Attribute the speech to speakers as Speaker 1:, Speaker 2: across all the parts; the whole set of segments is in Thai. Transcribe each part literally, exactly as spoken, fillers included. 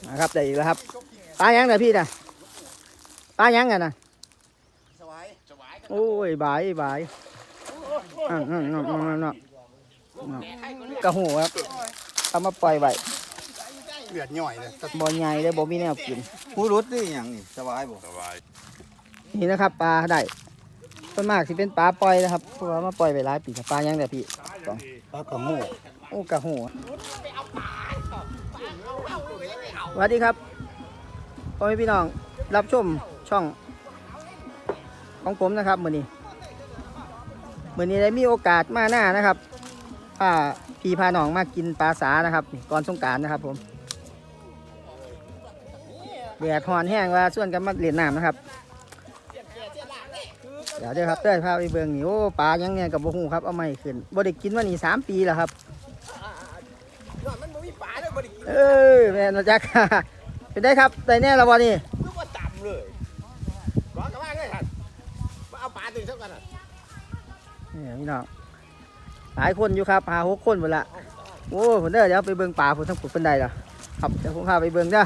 Speaker 1: นะครับได้อีกแล้วครับปลายังไงพี่นะปลายังไงนะโอ้ยบายบายอ่าอ่าอ่าอ่ากระหูครับเอามาปล่อยไว้
Speaker 2: เลือดย่อยเลย
Speaker 1: บ่ใหญ่เลยบ่มีแนวกิน
Speaker 3: ผู้รุดนี่อย่างนี่สบายบ่สบาย
Speaker 1: นี่นะครับปลาได้ส่วนมากสิเป็นปลาปล่อยนะครับเพราะว่ามาปล่อยไปหลายปีปลายังแต่พี่สอง
Speaker 2: ปลากระโม่
Speaker 1: โอ้กระหูสวัสดีครับพ่อแม่พี่น้องรับชมช่องของผมนะครับมื้อนี้มื้อนี้ได้มีโอกาสมาหน้านะครับพาพี่พาน้องมากินปลาสานะครับก่อนสงกรานต์นะครับผมแดดร้อนแห้งว่าส่วนกันมาเล่นน้ำนะครับเดี๋ยวเดี๋ยวครับเต้ยพาไปเบิ่งนี่โอ้ปลายังเนี่ยกับบ่ฮู้ครับเอาไม่ขึ้นบ่ได้กินมานี่สามปีแล้วครับเออแม่นจักเป็นได้ครับได้แน่แล้วบ่นี่
Speaker 2: นึกว่าต่ำเลยร้อนกันมากเลยท่านมาเอาปลาตื่นเท่ากันอ่ะ
Speaker 1: นี่พี่น้องหลายคนอยู่ครับหาหกคนหมดละโอ้ผมเด้อเดี๋ยวไปเบิ่งปลาผมทั้งปุดเป็นใดล่ะครับเดี๋ยวผมพาไปเบิ่งเด้อ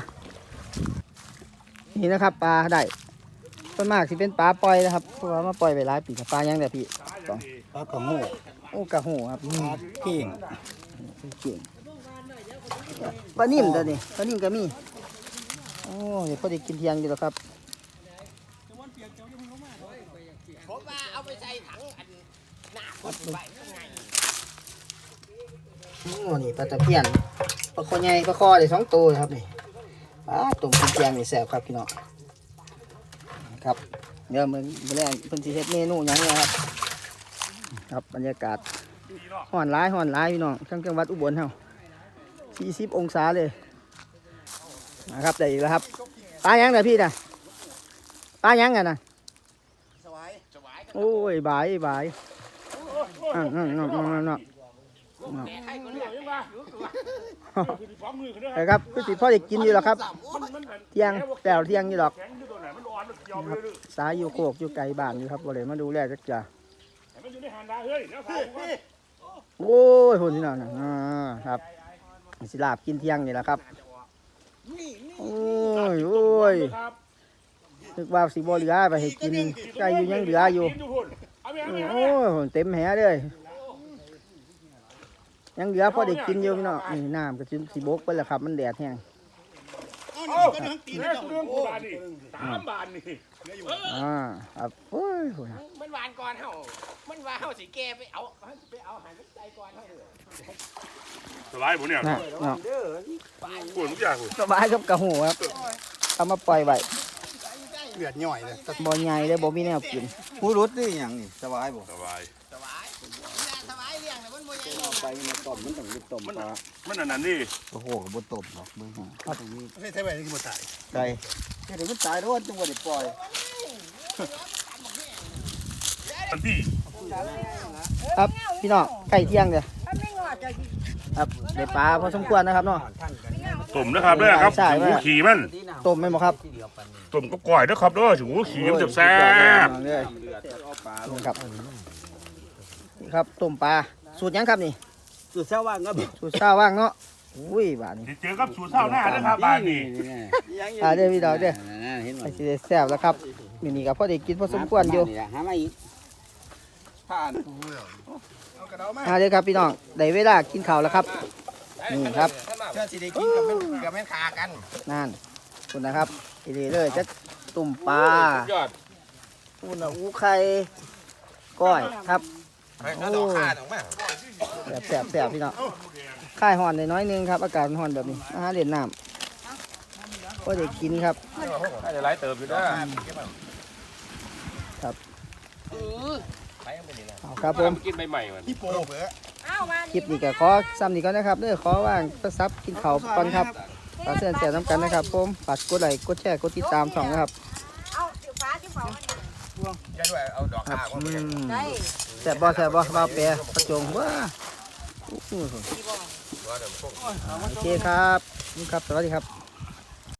Speaker 1: นี่นะครับปลาได้ส่วนมากสิเป็นปลาปล่อยนะครับเพราะว่ามาปล่อยไปหลายปีปลายังแต่พี่สอง
Speaker 2: ปลากระโม่
Speaker 1: โอ้กระหูครับ
Speaker 2: ปลาเก่ง
Speaker 1: เก่งปลานิ่มตัวนี้ปลานิ่มก็มีโอ้เดี๋ยวพอได้กินเที่ยงอยู่แล้วครับ
Speaker 2: ผมว่าเอาไปใส่ถังอันหน้าคนไว้ข้างใน
Speaker 1: โอ้นี่ปลาตะเพียนปลาคอใหญ่ปลาคอได้สองตัวครับนี่ปลาตุ่มกินเที่ยงนี่แซ่บครับพี่น้องครับเดี๋ยวมึงไปแรกเพิ่นสิเฮ็ดเมนูหยังเนี่ยครับครับบรรยากาศฮ้อนร้ายฮ้อนร้ายพี่น้องทั้งจังหวัดอุบลเฮาสี่สิบองศาเลยนะครับได้อีกแล้วครับปลายังน่ะพี่น่ะปลายังไงน่ะโอ้ยบายบายอ่าอ่าอ่าอ่าแต่ครับคือสิพ่อได้กินอยู่หรอครับเที่ยงแต่เที่ยงอยู่หรอกสายอยู่โคกอยู่ไกลบ้านอยู่ครับบ่เลยมาดูแลจักจ่าโอ้ยคนที่นั่นอ่าครับสิลาบกินเที่ยงนี่แหละครับโอ้ยโอ้ยนึกว่าสิบ่เหลือไปให้กินไก่อยู่ยังเหลืออยู่โอ้ยเต็มแหเลยยังเหลือพอได้กินอยู่พี่น้องนี่น้ำก็จิ้มสีบกไปแล้วครับมันแดดแห้ง
Speaker 2: ก็นึ่งตีนแล้วเรื่องกูบานนี่สามบานนี่
Speaker 1: อ่าครับโอ้ย
Speaker 2: มันหวานก่อนเฮามันว่าเฮาสิแกไปเอาไปเอาหายมันใจก่อนเฮาเลย
Speaker 4: สบายผมเนี่ยปวดทุกอย่าง
Speaker 1: สบายกับกระหูครับเอามาปล่อยไว้
Speaker 2: เลือดย่อยเลย
Speaker 1: บ่ใหญ่เลยบ่มีแนวกิน
Speaker 3: ผู้รุดนี่อย่างนี่สบายบ่
Speaker 4: สบาย
Speaker 2: สบายสบายเลี้ยงแต่มันบ่ใหญ่
Speaker 3: ไปมาต้มมันต้องมีต้มปลา
Speaker 4: มันอันนั้นดิ
Speaker 3: โอ้โหกับบนต้มเนาะเบิ่ง
Speaker 2: ครับตรงนี้ไม่ใช่ไว้ที่บ่ตาย
Speaker 1: ไก่
Speaker 3: เดี๋ยวมันตายแล้วจังหวะได้ปล่อย
Speaker 4: อันที่
Speaker 1: ครับพี่น้องไก่เที่ยงเลยครับได้ปลาพอสมควรนะครับเนาะ
Speaker 4: ต้มนะครับด้วยครับถึงหูขี่มัน
Speaker 1: ต้มไหมบ่ครับ
Speaker 4: ต้มก็ก่อยด้วยครับด้วยถึงหูขี่มันจะแซ่บ
Speaker 1: ครับนี่ครับต้มปลาสูตรยังครับนี่
Speaker 3: สูตรเช้าว่างครับ
Speaker 1: สูตรเช้าว่างเนาะอุ้ยบาทนี่
Speaker 4: เจอกับสูตรเช้าหน้านะครับบาทนี่
Speaker 1: อ่าเดี๋ยวพี่ดาวเดี๋ยวไอ้สิได้แซ่บแล้วครับมินี่กับพ่อได้กินพอสมควรอยู่
Speaker 3: หามาอีกผ่าน
Speaker 1: อ่าเดี๋ยวครับพี่น้องได้เวลากินข้าวแล้วครับนี่ครับ
Speaker 2: เชื่อสิได้กินกับแม่กับแม่ขากัน
Speaker 1: นั่นคุณนะครับทีนี้เลยจะตุ่มปลาอุ่นอูไข่ก้อยครับ
Speaker 2: โอ้
Speaker 1: แสบแสบแสบพี่น้องค่ายห่อนในน้อยนึงครับอากาศห่อนแบบนี้อาหารเด่นน้ำก็ได้กินครับ
Speaker 4: ถ้าจะไล่เติมอยู่ได้
Speaker 1: ครับเอาครับผม
Speaker 4: กินใบใหม่มัน
Speaker 2: พี่โป้เบ้อ
Speaker 1: คลิปนี้ก็ขอซ้ำนี้ก่อนนะครับเด้อขอว่างก็ซับกินข้าวก่อนครับฝากเสื้อแจกน้ำกันนะครับผมฝากกดไลค์กดแชร์กดติดตามช่องนะครับ
Speaker 2: เอาสีฟ้าสีฟ้าได้ด้วยเอาดอกข้าว
Speaker 1: ได้แซ่บบ่แซ่บบ่บ่าวแปรประจงว้าโอเคครับนี่ครับสวัสดีครับ